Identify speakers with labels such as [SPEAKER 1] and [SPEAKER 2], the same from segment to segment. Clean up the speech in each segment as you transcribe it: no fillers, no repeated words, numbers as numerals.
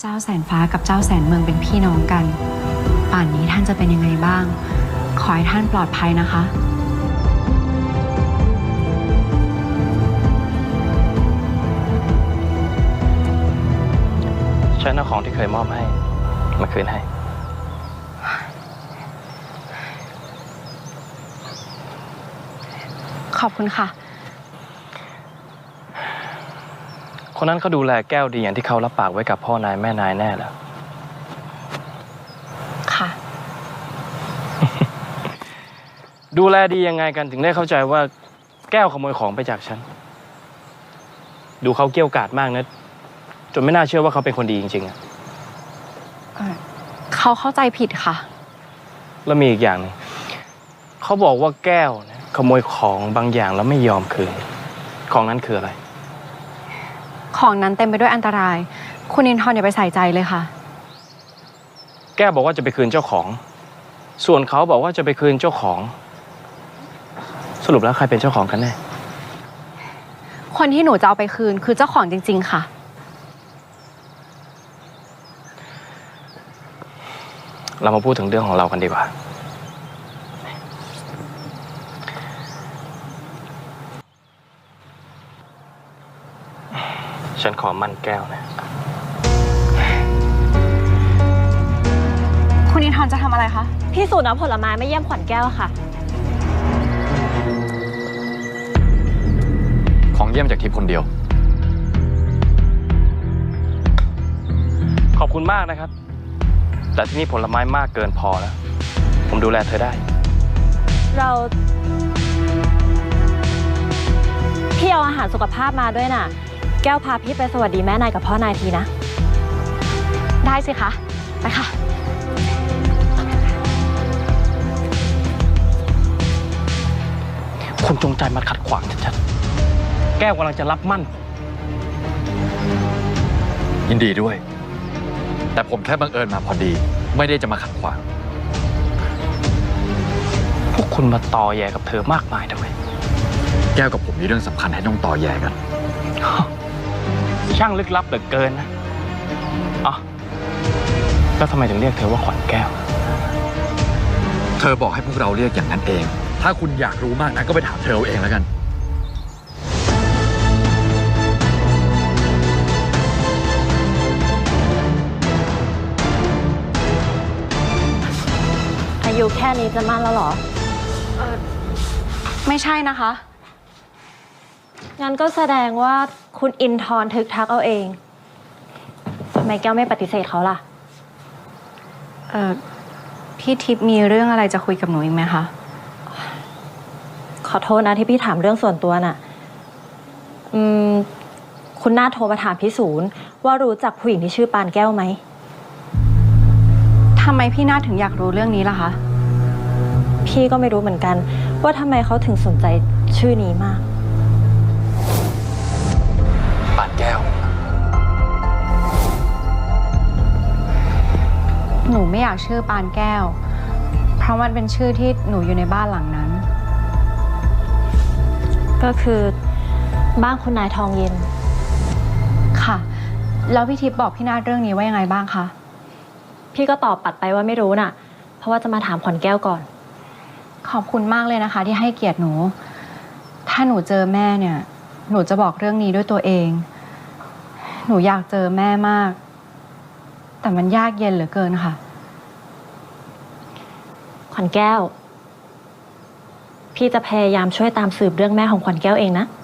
[SPEAKER 1] เจ้าแสนฟ้ากับเจ้าแสนเมืองเป็นพี่น้องกันป่านนี้ท่านจะเป็นยังไงบ้าง ขอให้ท่านปลอดภัยนะคะ
[SPEAKER 2] ฉันเอาของที่เคยมอบให้มาคืนให้
[SPEAKER 1] ขอบคุณค่ะ
[SPEAKER 2] คนนั้นเขาดูแลแก้วดีอย่างที่เขารับปากไว้กับพ่อนายแม่นายแน่แล้ว
[SPEAKER 1] ค่ะ
[SPEAKER 2] ดูแลดียังไงกันถึงได้เข้าใจว่าแก้วขโมยของไปจากฉันดูเขาเกี้ยวกาดมากนะจนไม่น่าเชื่อว่าเขาเป็นคนดีจริงๆอะ
[SPEAKER 1] เขาเข้าใจผิดค่ะ
[SPEAKER 2] แล้วมีอีกอย่างนึงเขาบอกว่าแก้วเนี่ยขโมยของบางอย่างแล้วไม่ยอมคืนของนั้นคืออะไร
[SPEAKER 1] ของนั้นเต็มไปด้วยอันตรายคุณอินทร์อย่าไปใส่ใจเลยค่ะ
[SPEAKER 2] แก้วบอกว่าจะไปคืนเจ้าของส่วนเขาบอกว่าจะไปคืนเจ้าของสรุปแล้วใครเป็นเจ้าของกันแน่
[SPEAKER 1] คนที่หนูจะเอาไปคืนคือเจ้าของจริงๆค่ะ
[SPEAKER 2] เรามาพูดถึงเรื่องของเรากันดีกว่าฉันขอมั่นแก้วนะ
[SPEAKER 1] คุณอินทร์จะทำอะไรคะ
[SPEAKER 3] พี่สูตรเอาผลไม้มาเยี่ยมขวัญแก้วค่ะ
[SPEAKER 4] ของเยี่ยมจากทิพย์คนเดียว
[SPEAKER 2] ขอบคุณมากนะครับแต่ที่นี่ผลไม้มากเกินพอแล้วผมดูแลเธอได้
[SPEAKER 3] พี่เอาอาหารสุขภาพมาด้วยน่ะแก้วพาพี่ไปสวัสดีแม่นายกับพ่อนายทีนะ
[SPEAKER 1] ได้สิคะไปค่ะ
[SPEAKER 2] คุณจงใจมาขัดขวางฉันแก้วกำลังจะรับมั่น
[SPEAKER 4] ยินดีด้วยแต่ผมแค่บังเอิญมาพอดีไม่ได้จะมาขัดขวาง
[SPEAKER 2] พวกคุณมาตอแยกับเธอมากมายทำไม
[SPEAKER 4] แก้วกับผมมีเรื่องสำคัญให้ต้องต่อแยกัน
[SPEAKER 2] ช่างลึกลับเหลือเกินนะอ๋อแล้วทำไมถึงเรียกเธอว่าขวัญแก้ว
[SPEAKER 4] เธอบอกให้พวกเราเรียกอย่างนั้นเองถ้าคุณอยากรู้มากนะก็ไปถามเธอเอาเองแล้วกัน
[SPEAKER 3] อายุแค่นี้จะมั่นแล้วเหรอ
[SPEAKER 1] ไม่ใช่นะคะ
[SPEAKER 3] งั้นก็แสดงว่าคุณอินทร์ทึกทักเอาเองทำไมแก้วไม่ปฏิเสธเขาล่ะ
[SPEAKER 1] พี่ทิพย์มีเรื่องอะไรจะคุยกับหนูอีกไหมคะ
[SPEAKER 3] ขอโทษนะที่พี่ถามเรื่องส่วนตัวน่ะคุณน่าโทรมาถามพี่ศูนย์ว่ารู้จักผู้หญิงที่ชื่อปานแก้วไหม
[SPEAKER 1] ทำไมพี่นาถึงอยากรู้เรื่องนี้ล่ะคะ
[SPEAKER 3] พี่ก็ไม่รู้เหมือนกันว่าทำไมเขาถึงสนใจชื่อนี้มาก
[SPEAKER 4] ปานแก้ว
[SPEAKER 1] หนูไม่อยากชื่อปานแก้วเพราะมันเป็นชื่อที่หนูอยู่ในบ้านหลังนั้น
[SPEAKER 3] ก็คือบ้านคุณนายทองเย็น
[SPEAKER 1] ค่ะแล้วพี่ทิพย์บอกพี่นาเรื่องนี้ว่ายังไงบ้างคะ
[SPEAKER 3] พี่ก็ตอบปัดไปว่าไม่รู้น่ะเพราะว่าจะมาถามขวัญแก้วก่อน
[SPEAKER 1] ขอบคุณมากเลยนะคะที่ให้เกียรติหนูถ้าหนูเจอแม่เนี่ยหนูจะบอกเรื่องนี้ด้วยตัวเองหนูอยากเจอแม่มากแต่มันยากเย็นเหลือเกินค่ะ
[SPEAKER 3] ขวัญแก้วพี่จะพยายามช่วยตามสืบเรื่องแม่ของขวัญแก้วเองนะ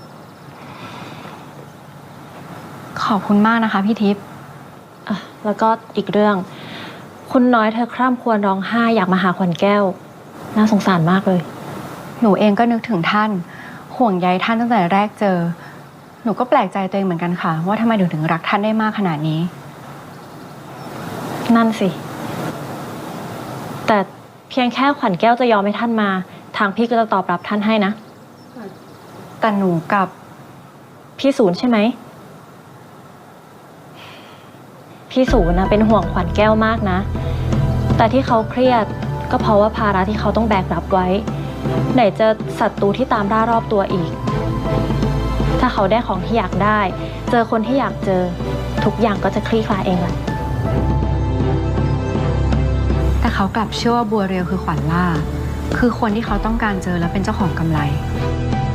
[SPEAKER 1] ขอบคุณมากนะคะพี่ทิพย์
[SPEAKER 3] แล้วก็อีกเรื่องคุณน้อยเธอคร่ำครวญร้องไห้อยากมาหาขวัญแก้วน่าสงสารมากเลย
[SPEAKER 1] หนูเองก็นึกถึงท่านห่วงใยท่านตั้งแต่แรกเจอหนูก็แปลกใจตัวเองเหมือนกันค่ะว่าทำไมถึงรักท่านได้มากขนาดนี้
[SPEAKER 3] นั่นสิแต่เพียงแค่ขวัญแก้วจะยอมให้ท่านมาทางพี่ก็จะตอบรับท่านให้นะ
[SPEAKER 1] แต่หนูกับ
[SPEAKER 3] พี่ศูนย์ใช่ไหมพี่ศูนย์นะเป็นห่วงขวัญแก้วมากนะแต่ที่เขาเครียดก็เพราะว่าภาระที่เขาต้องแบกรับไว้ไหนจะศัตรูที่ตามล่ารอบตัวอีกถ้าเขาได้ของที่อยากได้เจอคนที่อยากเจอทุกอย่างก็จะคลี่คลายเองแหละ
[SPEAKER 1] แต่เขากลับเชื่อว่าบัวเรียวคือขวัญล่า คือคนที่เขาต้องการเจอและเป็นเจ้าของกำไร